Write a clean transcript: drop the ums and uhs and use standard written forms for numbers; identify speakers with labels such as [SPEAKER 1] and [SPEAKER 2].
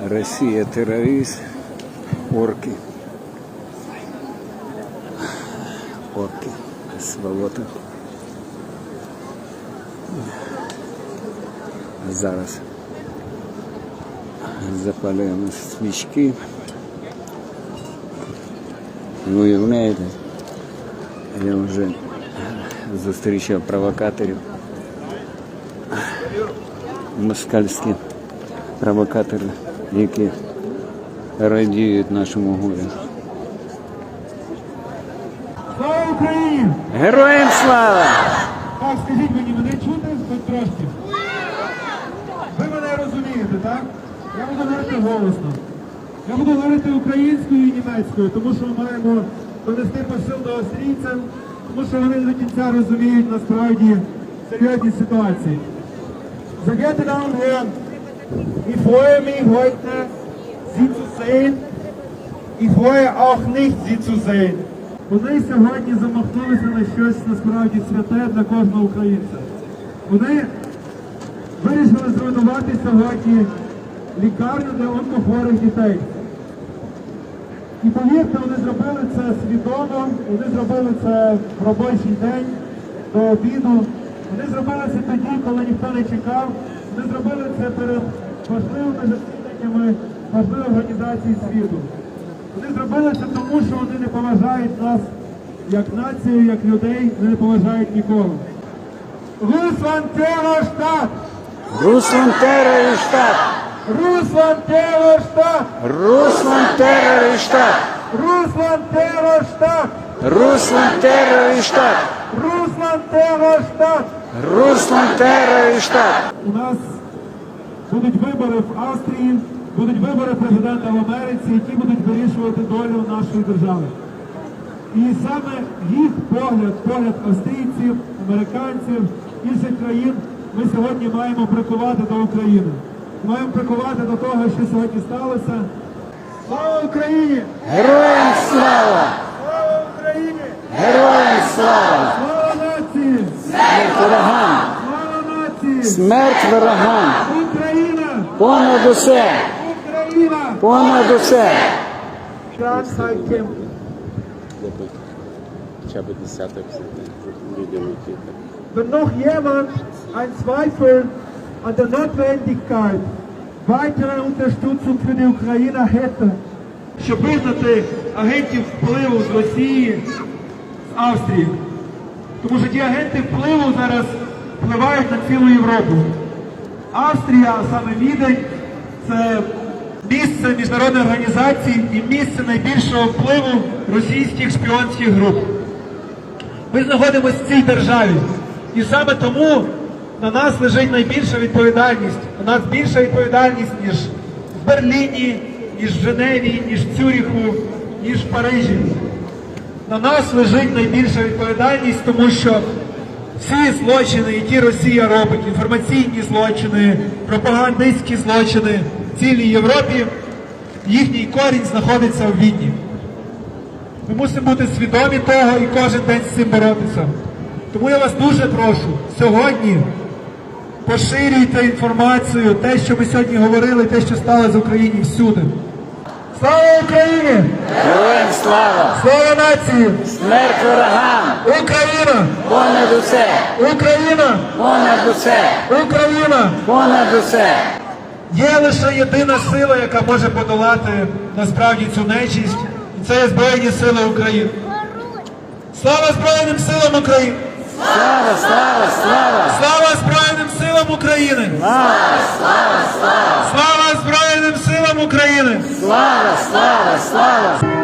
[SPEAKER 1] Россия террорист, орки. Орки, сволота. Зараз запалюємо свічки. Ви уявляєте, я вже зустрічав провокаторів. Москальські провокатори, які радіють нашому горю.
[SPEAKER 2] Слава Україні!
[SPEAKER 1] Героям слава!
[SPEAKER 2] Так, скажіть мені, мене чути хоч трошки? Ви мене розумієте, так? Я буду говорити голосно. Я буду говорити українською і німецькою, тому що ми маємо донести посил до австрійців, тому що вони до кінця розуміють насправді серйозні ситуації. Sehr geehrte Damen und Herren, ich freue mich heute, Sie zu sehen. Ich freue auch nicht, Sie zu sehen. Вони сьогодні замахнулися на щось насправді святе для кожного українця. Вони вирішили зруйнувати сьогодні лікарню для онкохворих дітей. І повірте, вони зробили це свідомо, вони зробили це в робочий день, до обіду. Вони зробили це тоді, коли ніхто не чекав. Вони зробили це перед важливими засіданнями важливих організацій світу. Вони зробили це тому, що вони не поважають нас як націю, як людей, вони не поважають нікого. Русланд Террорштадт!
[SPEAKER 1] Русланд Террорштадт!
[SPEAKER 2] Русланд Террорштадт!
[SPEAKER 1] Русланд Террорштадт!
[SPEAKER 2] Русланд Террорштадт!
[SPEAKER 1] Русланд Террорштадт!
[SPEAKER 2] Русланд Террорштадт!
[SPEAKER 1] Русланд Террорштадт!
[SPEAKER 2] У нас будуть вибори в Австрії, будуть вибори президента в Америці, які будуть вирішувати долю нашої держави. І саме їх погляд австрійців, американців, інших країн ми сьогодні маємо прикувати до України. Маємо прикувати до того, що сьогодні сталося. Слава Україні!
[SPEAKER 1] Героям слава!
[SPEAKER 2] Слава Україні!
[SPEAKER 1] Героям слава!
[SPEAKER 2] Слава нації!
[SPEAKER 1] Смерть ворогам!
[SPEAKER 2] Слава нації!
[SPEAKER 1] Смерть ворогам!
[SPEAKER 2] Україна!
[SPEAKER 1] Понад усе!
[SPEAKER 2] Україна!
[SPEAKER 1] Понад усе!
[SPEAKER 3] Хоча б десяток людям, які
[SPEAKER 2] Wenn noch jemand einen Zweifel an der Notwendigkeit weiterer Unterstützung für die Ukraine hätte, щоб визнати агентів впливу з Росії, з Австрії. Тому що ті агенти впливу зараз впливають на цілу Європу. Австрія, а саме Відень, це місце міжнародної організації і місце найбільшого впливу російських шпіонських груп. Ми знаходимося в цій державі. І саме тому на нас лежить найбільша відповідальність. У нас більша відповідальність, ніж в Берліні, ніж в Женеві, ніж в Цюріху, ніж в Парижі. На нас лежить найбільша відповідальність, тому що всі злочини, які Росія робить, інформаційні злочини, пропагандистські злочини в цілій Європі, їхній корінь знаходиться в Відні. Ми мусимо бути свідомі того і кожен день з цим боротися. Тому я вас дуже прошу, сьогодні поширюйте інформацію, те, що ми сьогодні говорили, те, що сталося в Україні всюди. Слава Україні!
[SPEAKER 1] Героям слава!
[SPEAKER 2] Слава нації!
[SPEAKER 1] Смерть ворогам!
[SPEAKER 2] Україна!
[SPEAKER 1] Понад усе!
[SPEAKER 2] Україна!
[SPEAKER 1] Понад усе!
[SPEAKER 2] Україна!
[SPEAKER 1] Понад усе!
[SPEAKER 2] Є лише єдина сила, яка може подолати насправді цю нечисть, і це є Збройні Сили України. Слава Збройним силам України!
[SPEAKER 1] Слава, слава, слава!
[SPEAKER 2] Слава Збройним силам України!
[SPEAKER 1] Слава, слава, слава!
[SPEAKER 2] Слава Збройним силам України!
[SPEAKER 1] Слава, слава, слава!